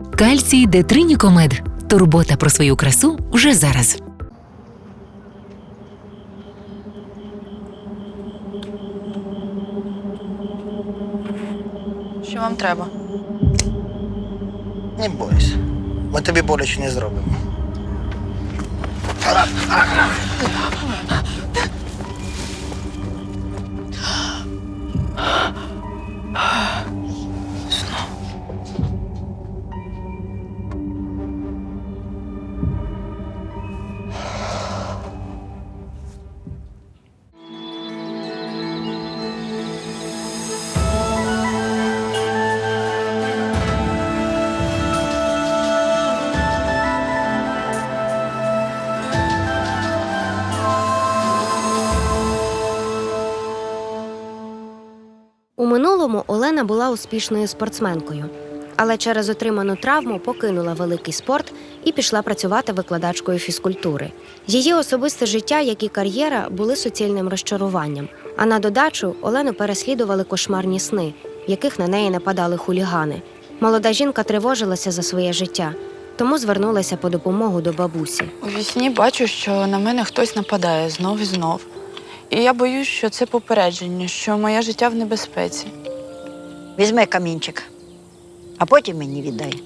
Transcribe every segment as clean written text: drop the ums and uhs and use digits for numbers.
Кальцій Детринікомед. Турбота про свою красу вже зараз. Що вам треба? Не бойся. Ми тобі боляче не зробимо. У минулому Олена була успішною спортсменкою, але через отриману травму покинула великий спорт і пішла працювати викладачкою фізкультури. Її особисте життя, як і кар'єра, були суцільним розчаруванням. А на додачу Олену переслідували кошмарні сни, в яких на неї нападали хулігани. Молода жінка тривожилася за своє життя, тому звернулася по допомогу до бабусі. У вісні бачу, що на мене хтось нападає знов і знов. І я боюсь, що це попередження, що моє життя в небезпеці. Візьми камінчик, а потім мені віддай.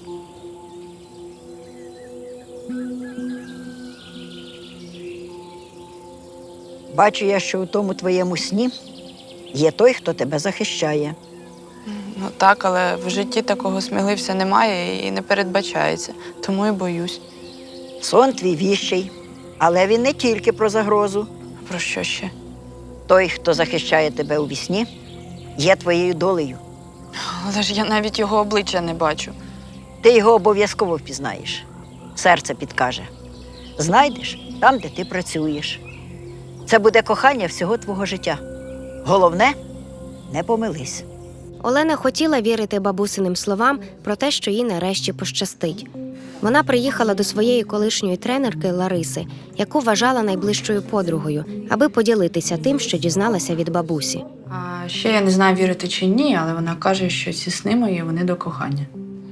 Бачу я, що у тому твоєму сні є той, хто тебе захищає. Ну так, але в житті такого сміливця немає і не передбачається. Тому і боюсь. Сон твій віщий, але він не тільки про загрозу. Про що ще? Той, хто захищає тебе у вісні, є твоєю долею. Але ж я навіть його обличчя не бачу. Ти його обов'язково впізнаєш. Серце підкаже. Знайдеш там, де ти працюєш. Це буде кохання всього твого життя. Головне – не помились. Олена хотіла вірити бабусиним словам про те, що їй нарешті пощастить. Вона приїхала до своєї колишньої тренерки Лариси, яку вважала найближчою подругою, аби поділитися тим, що дізналася від бабусі. А ще я не знаю, вірити чи ні, але вона каже, що ці сни мої, вони до кохання.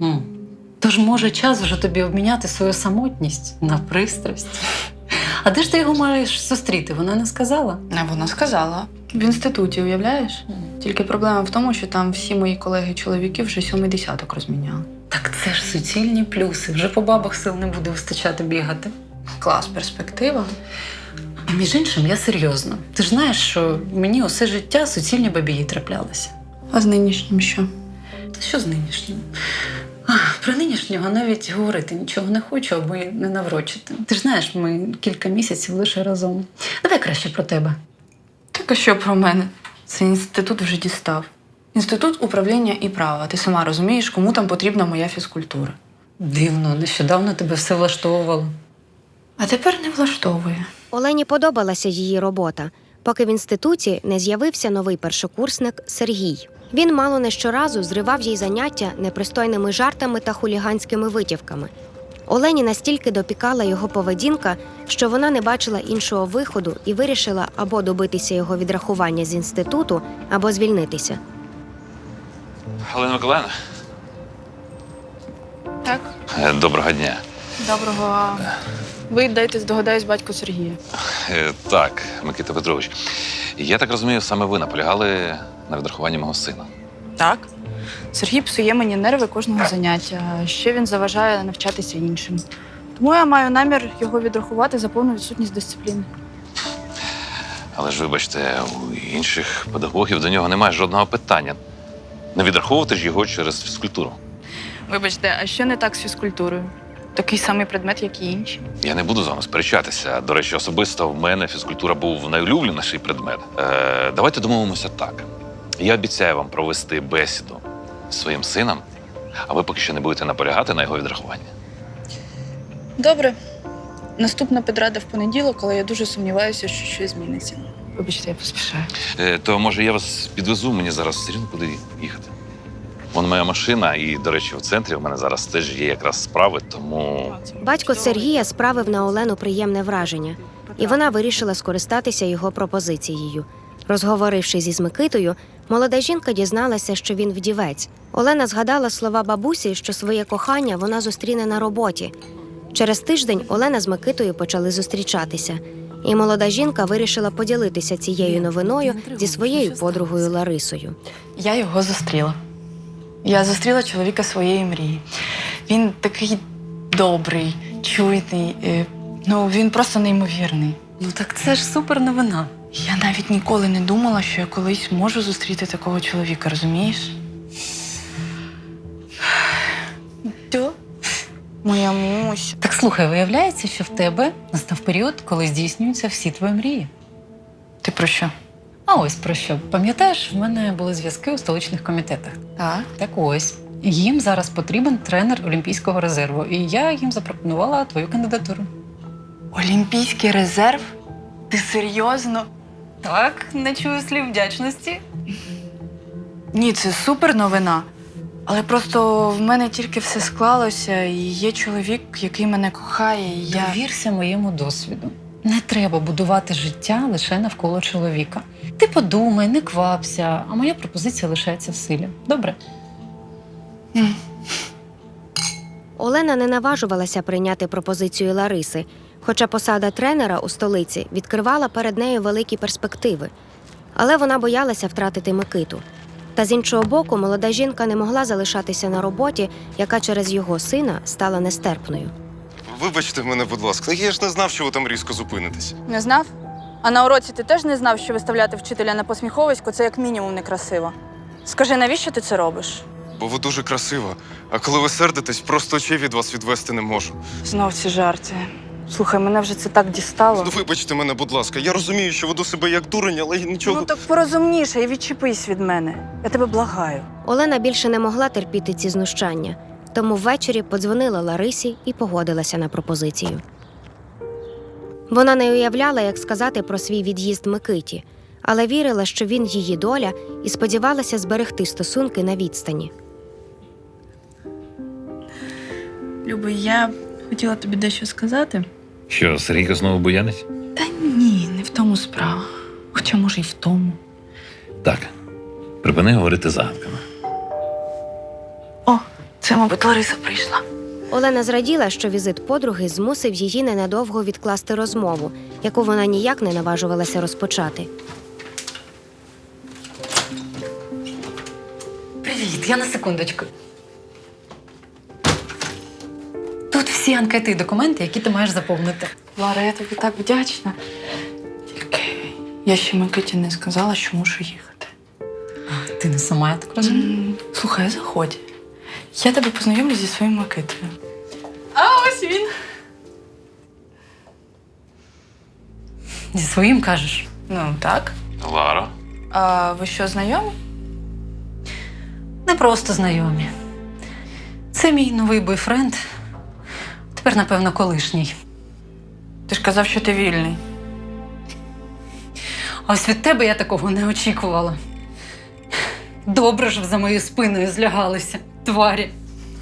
Тож, може, час вже тобі обміняти свою самотність на пристрасть. А де ж ти його маєш зустріти? Вона не сказала? А вона сказала. В інституті, уявляєш? Тільки проблема в тому, що там всі мої колеги-чоловіки вже 7-й десяток розміняли. Так це ж суцільні плюси. Вже по бабах сил не буде вистачати бігати. Клас, перспектива. А між іншим, я серйозно. Ти ж знаєш, що мені усе життя суцільні бабії траплялися. А з нинішнім що? Та що з нинішнім? Про нинішнього навіть говорити нічого не хочу, аби не наврочити. Ти ж знаєш, ми кілька місяців лише разом. Давай краще про тебе. Так а що про мене? Цей інститут вже дістав. Інститут управління і права. Ти сама розумієш, кому там потрібна моя фізкультура. Дивно, нещодавно тебе все влаштовувало. А тепер не влаштовує. Олені подобалася її робота, поки в інституті не з'явився новий першокурсник Сергій. Він мало не щоразу зривав їй заняття непристойними жартами та хуліганськими витівками. Олені настільки допікала його поведінка, що вона не бачила іншого виходу і вирішила або добитися його відрахування з інституту, або звільнитися. Галина Миколаївна? Так? Доброго дня. Доброго. Ви дайте здогадаюсь батьку Сергія. Так, Микита Петрович. Я так розумію, саме ви наполягали на відрахуванні мого сина. Так. Сергій псує мені нерви кожного заняття, а ще він заважає навчатися іншим. Тому я маю намір його відрахувати за повну відсутність дисципліни. Але ж, вибачте, у інших педагогів до нього немає жодного питання. Не відраховувати ж його через фізкультуру. Вибачте, а що не так з фізкультурою? Такий самий предмет, як і інші. Я не буду з вами сперечатися. До речі, особисто в мене фізкультура був найулюбленіший предмет. Давайте домовимося так. Я обіцяю вам провести бесіду з своїм сином, а ви поки що не будете наполягати на його відрахуванні. Добре. Наступна педрада в понеділок, але я дуже сумніваюся, що щось зміниться. Вибачте, я поспішаю. То, може, я вас підвезу, мені зараз все рівно куди їхати. Вон моя машина, і, до речі, в центрі в мене зараз теж є якраз справи, тому… Батько Сергія справив на Олену приємне враження, і вона вирішила скористатися його пропозицією. Розговорившись із Микитою, молода жінка дізналася, що він вдівець. Олена згадала слова бабусі, що своє кохання вона зустріне на роботі. Через тиждень Олена з Микитою почали зустрічатися. І молода жінка вирішила поділитися цією новиною зі своєю подругою Ларисою. Я його зустріла. Я зустріла чоловіка своєї мрії. Він такий добрий, чуйний. Він просто неймовірний. Ну так це ж супер новина. Я навіть ніколи не думала, що я колись можу зустріти такого чоловіка, розумієш? Що? Моя мусь. Так слухай, виявляється, що в тебе настав період, коли здійснюються всі твої мрії. Ти про що? А ось про що. Пам'ятаєш, в мене були зв'язки у столичних комітетах. Так. Так ось. Їм зараз потрібен тренер Олімпійського резерву, і я їм запропонувала твою кандидатуру. Олімпійський резерв? Ти серйозно? Так, не чую слів вдячності. Ні, це супер новина. Але просто в мене тільки все склалося, і є чоловік, який мене кохає, і я... Довірся моєму досвіду. Не треба будувати життя лише навколо чоловіка. Ти подумай, не квапся, а моя пропозиція лишається в силі. Добре? Олена не наважувалася прийняти пропозицію Лариси, хоча посада тренера у столиці відкривала перед нею великі перспективи. Але вона боялася втратити Микиту. Та з іншого боку, молода жінка не могла залишатися на роботі, яка через його сина стала нестерпною. Вибачте мене, будь ласка, я ж не знав, що ви там різко зупинитесь. Не знав? А на уроці ти теж не знав, що виставляти вчителя на посміховисько – це як мінімум некрасиво. Скажи, навіщо ти це робиш? Бо ви дуже красива. А коли ви сердитесь, просто очей від вас відвести не можу. Знов ці жарти. Слухай, мене вже це так дістало. Ну, вибачте мене, будь ласка. Я розумію, що веду себе як дурень, але я нічого. Ну так порозумніше і відчепись від мене. Я тебе благаю. Олена більше не могла терпіти ці знущання, тому ввечері подзвонила Ларисі і погодилася на пропозицію. Вона не уявляла, як сказати про свій від'їзд Микиті, але вірила, що він її доля, і сподівалася зберегти стосунки на відстані. Люби, я хотіла тобі дещо сказати. Що, Сергійко знову буянить? Та ні, не в тому справа. Хоча, може, й в тому. Так, припини говорити загадками. О, це, мабуть, Лариса прийшла. Олена зраділа, що візит подруги змусив її ненадовго відкласти розмову, яку вона ніяк не наважувалася розпочати. Привіт, я на секундочку. Тут всі анкети і документи, які ти маєш заповнити. Лара, я тобі так вдячна. Тільки я ще Микиті не сказала, що мушу їхати. А, ти не сама, я так розумію? Слухай, заходь. Я тебе познайомлю зі своїм Микитою. А ось він. Зі своїм кажеш? Ну, так. Ларо. А ви що, знайомі? Не просто знайомі. Це мій новий бойфренд. Тепер, напевно, колишній. Ти ж казав, що ти вільний. А ось від тебе я такого не очікувала. Добре ж за моєю спиною злягалися, тварі.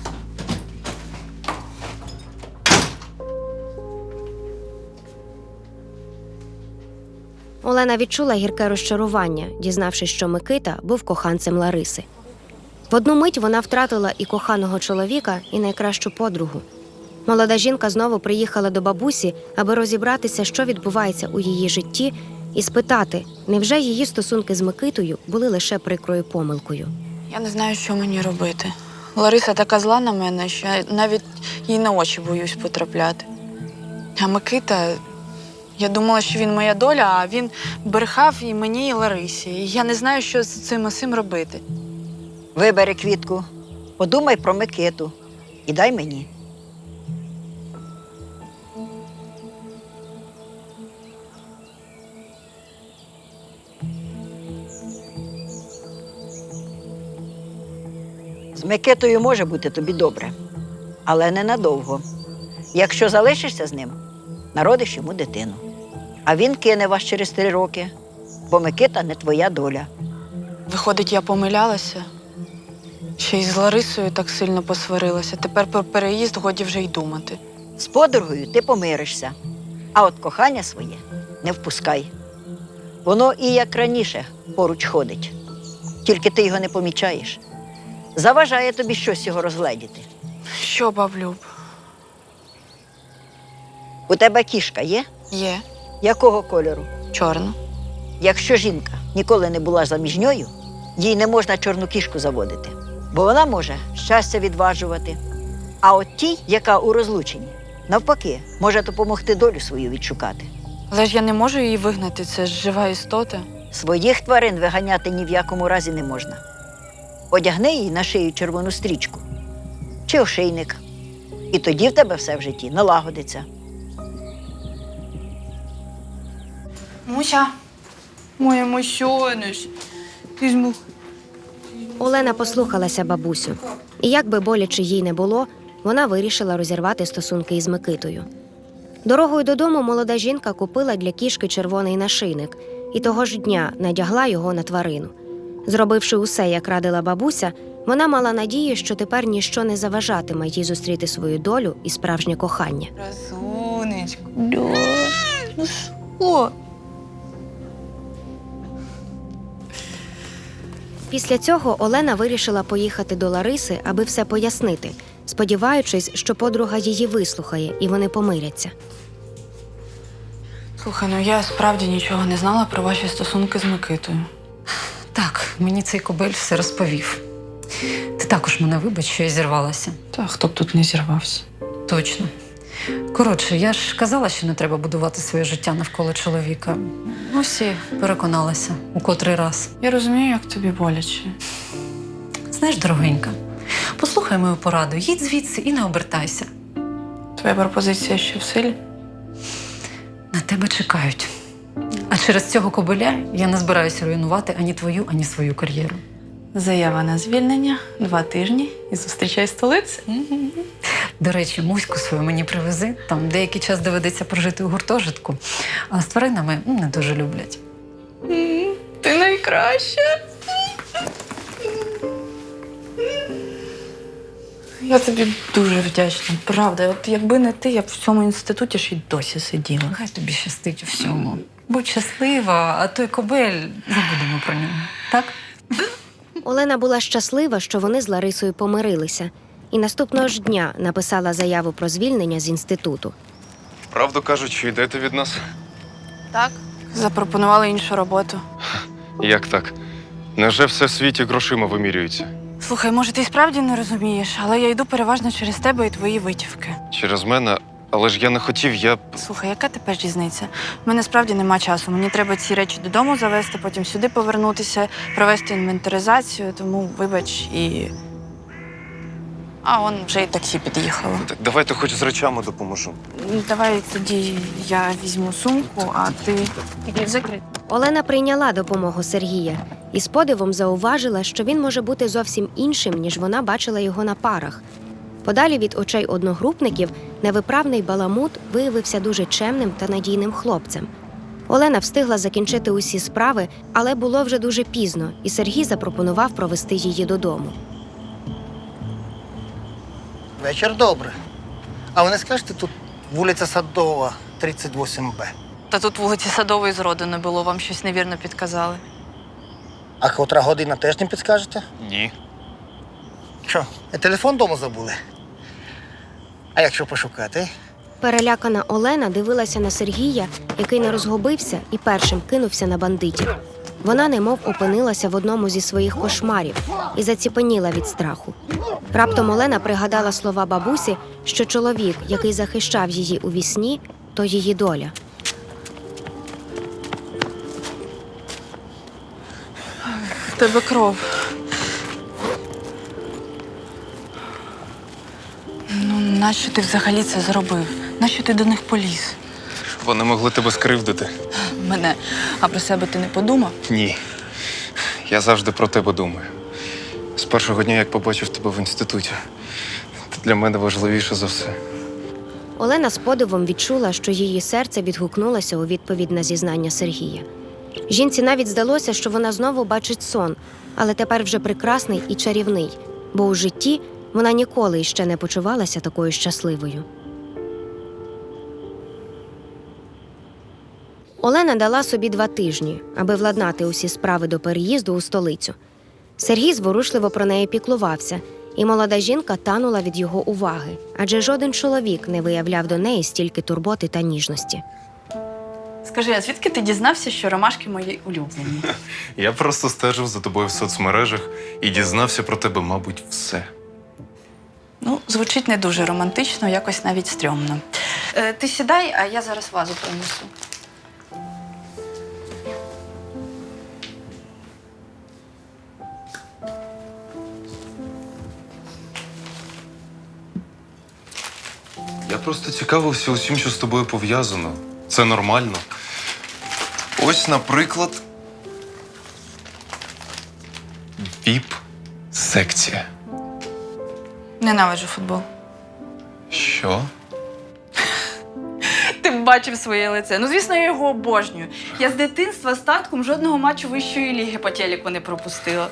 Олена відчула гірке розчарування, дізнавшись, що Микита був коханцем Лариси. В одну мить вона втратила і коханого чоловіка, і найкращу подругу. Молода жінка знову приїхала до бабусі, аби розібратися, що відбувається у її житті, і спитати, невже її стосунки з Микитою були лише прикрою помилкою. Я не знаю, що мені робити. Лариса така зла на мене, що я навіть їй на очі боюсь потрапляти. А Микита, я думала, що він моя доля, а він брехав і мені, і Ларисі. І я не знаю, що з цим усім робити. Вибери квітку, подумай про Микиту і дай мені. З Микитою може бути тобі добре, але ненадовго. Якщо залишишся з ним, народиш йому дитину. А він кине вас через 3 роки, бо Микита не твоя доля. Виходить, я помилялася. Ще й з Ларисою так сильно посварилася. Тепер про переїзд годі вже й думати. З подругою ти помиришся, а от кохання своє не впускай. Воно і як раніше поруч ходить. Тільки ти його не помічаєш. Заважає тобі щось його розгледіти. Що, баблюб? У тебе кішка є? Є. Якого кольору? Чорно. Якщо жінка ніколи не була заміжньою, їй не можна чорну кішку заводити, бо вона може щастя відважувати. А от тій, яка у розлученні, навпаки, може допомогти долю свою відшукати. Але ж я не можу її вигнати, це ж жива істота. Своїх тварин виганяти ні в якому разі не можна. Одягни їй на шию червону стрічку чи ошейник. І тоді в тебе все в житті налагодиться. Муся, моя мощониш. Візьму. Олена послухалася бабусю. І як би боляче їй не було, вона вирішила розірвати стосунки із Микитою. Дорогою додому молода жінка купила для кішки червоний нашийник і того ж дня надягла його на тварину. Зробивши усе, як радила бабуся, вона мала надію, що тепер ніщо не заважатиме їй зустріти свою долю і справжнє кохання. Красунечко. Ну що? Після цього Олена вирішила поїхати до Лариси, аби все пояснити, сподіваючись, що подруга її вислухає і вони помиряться. Слухай, ну я справді нічого не знала про ваші стосунки з Микитою. Так, мені цей кобель все розповів. Ти також мене вибач, що я зірвалася. Та хто б тут не зірвався. Точно. Коротше, я ж казала, що не треба будувати своє життя навколо чоловіка. Ось і переконалася у котрий раз. Я розумію, як тобі боляче. Знаєш, дорогенька, послухай мою пораду, їдь звідси і не обертайся. Твоя пропозиція ще в силі? На тебе чекають. А через цього кобеля я не збираюся руйнувати ані твою, ані свою кар'єру. Заява на звільнення, 2 тижні і зустрічай столиці. До речі, муську свою мені привези. Там деякий час доведеться прожити у гуртожитку, а з тваринами не дуже люблять. Ти найкраща. Я тобі дуже вдячна, правда. От якби не ти, я б в цьому інституті ж і досі сиділа. Хай тобі щастить у всьому. Будь щаслива, а той кобель забудемо про нього. Так? Олена була щаслива, що вони з Ларисою помирилися, і наступного ж дня написала заяву про звільнення з інституту. Правду кажуть, що йдете від нас? Так? Запропонували іншу роботу. Як так? Невже все в світі грошима вимірюється? Слухай, може, ти й справді не розумієш, але я йду переважно через тебе і твої витівки. Через мене? Але ж я не хотів, я... Слухай, яка тепер різниця? У мене справді нема часу. Мені треба ці речі додому завести, потім сюди повернутися, провести інвентаризацію, тому вибач і. А он вже і таксі під'їхало. Так давайте хоч з речами допоможу. Давай тоді я візьму сумку, а ти закрий. Олена прийняла допомогу Сергія і з подивом зауважила, що він може бути зовсім іншим, ніж вона бачила його на парах. Подалі від очей одногрупників невиправний баламут виявився дуже чемним та надійним хлопцем. Олена встигла закінчити усі справи, але було вже дуже пізно, і Сергій запропонував провести її додому. Вечір добре. А ви не скажете, тут вулиця Садова, 38Б. Та тут вулиці Садової зроду не було, вам щось невірно підказали. А котра година теж не підскажете? Ні. Що, телефон вдома забули? А якщо пошукати? Перелякана Олена дивилася на Сергія, який не розгубився і першим кинувся на бандитів. Вона немов опинилася в одному зі своїх кошмарів і заціпеніла від страху. Раптом Олена пригадала слова бабусі, що чоловік, який захищав її у вісні, то її доля. В тебе кров. Ну, нащо ти взагалі це зробив? Нащо ти до них поліз? Вони могли тебе скривдити. Мене, а про себе ти не подумав? Ні. Я завжди про тебе думаю. З першого дня, як побачив тебе в інституті. Ти для мене важливіше за все. Олена з подивом відчула, що її серце відгукнулося у відповідь на зізнання Сергія. Жінці навіть здалося, що вона знову бачить сон, але тепер вже прекрасний і чарівний, бо у житті вона ніколи іще не почувалася такою щасливою. Олена дала собі 2 тижні, аби владнати усі справи до переїзду у столицю. Сергій зворушливо про неї піклувався, і молода жінка танула від його уваги, адже жоден чоловік не виявляв до неї стільки турботи та ніжності. Скажи, а звідки ти дізнався, що ромашки мої улюблені? Я просто стежив за тобою в соцмережах і дізнався про тебе, мабуть, все. Ну, звучить не дуже романтично, якось навіть стрьомно. Ти сідай, а я зараз вазу принесу. Я просто цікавився усім, що з тобою пов'язано. Це нормально. Ось, наприклад, ВІП-секція. Ненавиджу футбол. Що? Ти б бачив своє лице. Ну, звісно, я його обожнюю. Я з дитинства з татком жодного матчу вищої ліги по телеку не пропустила.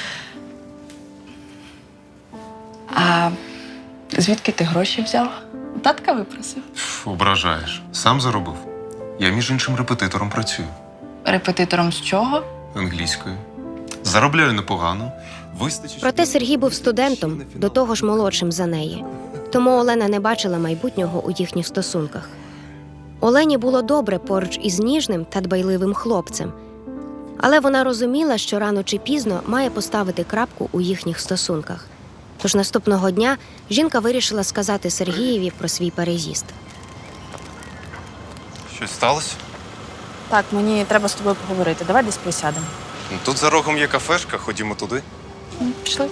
А звідки ти гроші взяв? Татка випросив. Ображаєш. Сам заробив. Я, між іншим, репетитором працюю. Репетитором з чого? Англійською. Заробляю непогано. Вистачить. Проте Сергій був студентом, до того ж молодшим за неї. Тому Олена не бачила майбутнього у їхніх стосунках. Олені було добре поруч із ніжним та дбайливим хлопцем. Але вона розуміла, що рано чи пізно має поставити крапку у їхніх стосунках. Тож наступного дня жінка вирішила сказати Сергієві про свій переїзд. Щось сталося? Так, мені треба з тобою поговорити. Давай десь присядемо. Ну, тут за рогом є кафешка, ходімо туди. Пішли.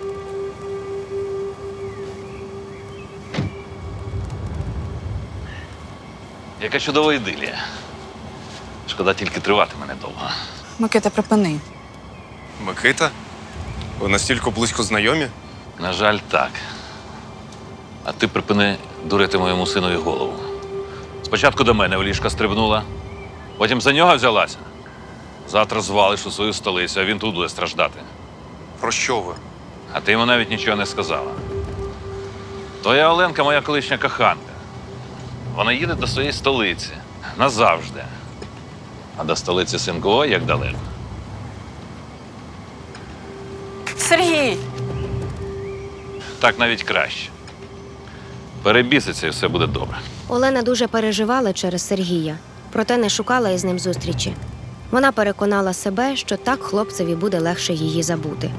Яка чудова ідилія. Шкода, тільки триватиме недовго. Микита, припини. Микита? Ви настільки близько знайомі? На жаль, так. А ти припини дурити моєму синові голову. Спочатку до мене в ліжко стрибнула, потім за нього взялася. Завтра звалиш у свою столицю, а він тут буде страждати. Про що ви? А ти йому навіть нічого не сказала. Твоя Оленка моя колишня коханка. Вона їде до своєї столиці. Назавжди. А до столиці синку ой, як далеко. Сергій! Так навіть краще. Перебіситься і все буде добре. Олена дуже переживала через Сергія, проте не шукала із ним зустрічі. Вона переконала себе, що так хлопцеві буде легше її забути.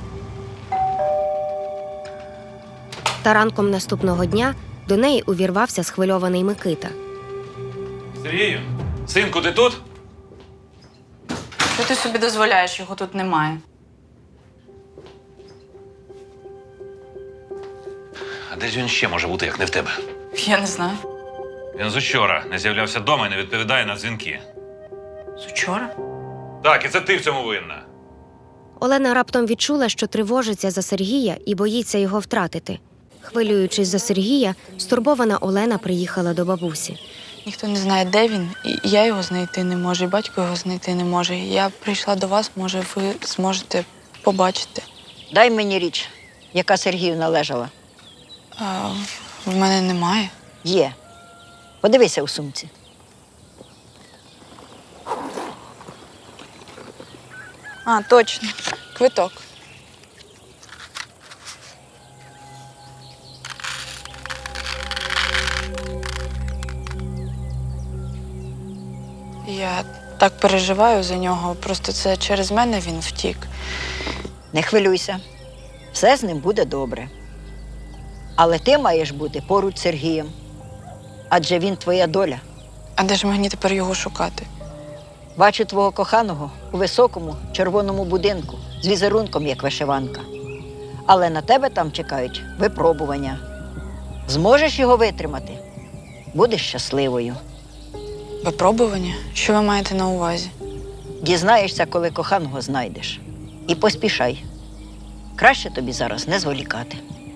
Та ранком наступного дня до неї увірвався схвильований Микита. Сергію, синку, ти тут? Що ти собі дозволяєш? Його тут немає. А де ж він ще може бути, як не в тебе? Я не знаю. Він з учора не з'являвся вдома і не відповідає на дзвінки. З учора? Так, і це ти в цьому винна. Олена раптом відчула, що тривожиться за Сергія і боїться його втратити. Хвилюючись за Сергія, стурбована Олена приїхала до бабусі. Ніхто не знає, де він, і я його знайти не можу, і батько його знайти не може. Я прийшла до вас, може, ви зможете побачити. Дай мені річ, яка Сергію належала. А, в мене немає. Є. Подивися у сумці. А, точно. Квиток. Я так переживаю за нього. Просто це через мене він втік. Не хвилюйся. Все з ним буде добре. Але ти маєш бути поруч з Сергієм. Адже він твоя доля. А де ж мені тепер його шукати? Бачу твого коханого у високому червоному будинку з візерунком, як вишиванка. Але на тебе там чекають випробування. Зможеш його витримати? Будеш щасливою. Випробування? Що ви маєте на увазі? Дізнаєшся, коли коханого знайдеш. І поспішай. Краще тобі зараз не зволікати.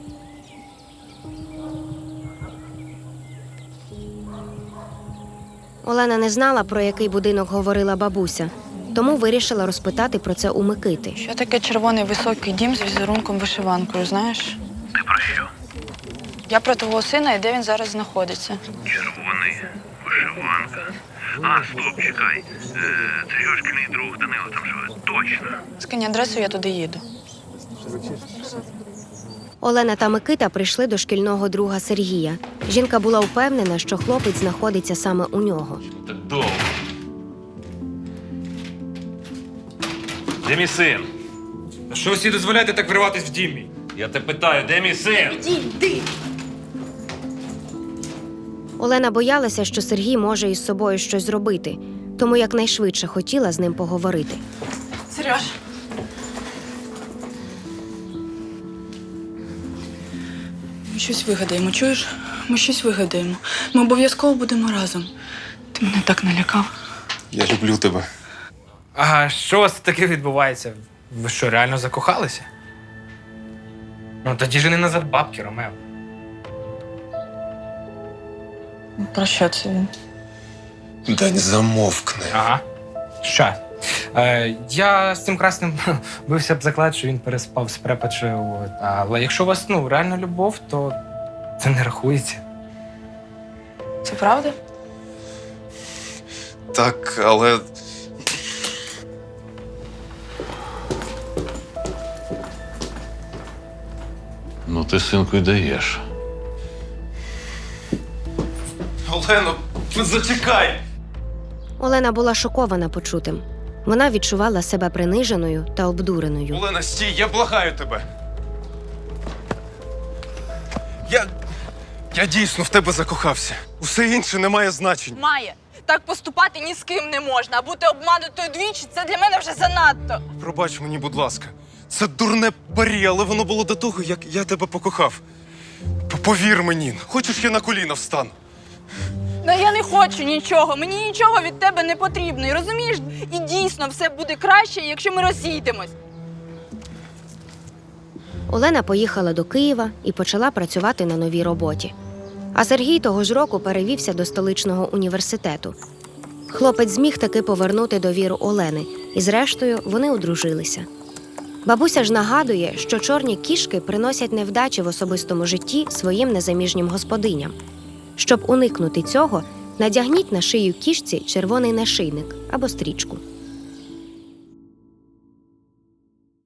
Олена не знала, про який будинок говорила бабуся, тому вирішила розпитати про це у Микити. Що таке червоний високий дім з візерунком вишиванкою, знаєш? Ти про що? Я про твого сина і де він зараз знаходиться. Червоний, вишиванка. А, стоп, чекай. Це його шкільний друг Данило там живе. Точно. Скинь адресу, я туди їду. Олена та Микита прийшли до шкільного друга Сергія. Жінка була впевнена, що хлопець знаходиться саме у нього. Так довго. Де мій син? Що ви всі дозволяєте так вриватись в дім мій? Я тебе питаю, де мій син? Олена боялася, що Сергій може із собою щось зробити, тому якнайшвидше хотіла з ним поговорити. Сереж. Ми щось вигадаємо, чуєш? Ми щось вигадаємо. Ми обов'язково будемо разом. Ти мене так налякав. Я люблю тебе. А що у вас таке відбувається? Ви що, реально закохалися? Ну, тоді жени назад бабки, Ромео. Про що це він? Дань, замовкни. Ага. Що? Я з цим красним бився б заклад, що він переспав з препачею. Але якщо у вас реально любов, то це не рахується. Це правда? Так, але. Ну, ти, синку, й даєш. Олено, зачекай! Олена була шокована почутим. Вона відчувала себе приниженою та обдуреною. Олена, стій, я благаю тебе. Я дійсно в тебе закохався. Усе інше не має значення. Має. Так поступати ні з ким не можна, а бути обманутою двічі – це для мене вже занадто. Пробач мені, будь ласка. Це дурне парі, але воно було до того, як я тебе покохав. Повір мені, хочеш, я на коліна встану? Да я не хочу нічого, мені нічого від тебе не потрібно. І розумієш, і дійсно все буде краще, якщо ми розійдемось. Олена поїхала до Києва і почала працювати на новій роботі. А Сергій того ж року перевівся до столичного університету. Хлопець зміг таки повернути довіру Олени, і зрештою вони одружилися. Бабуся ж нагадує, що чорні кішки приносять невдачі в особистому житті своїм незаміжнім господиням. Щоб уникнути цього, надягніть на шию кішці червоний нашийник або стрічку.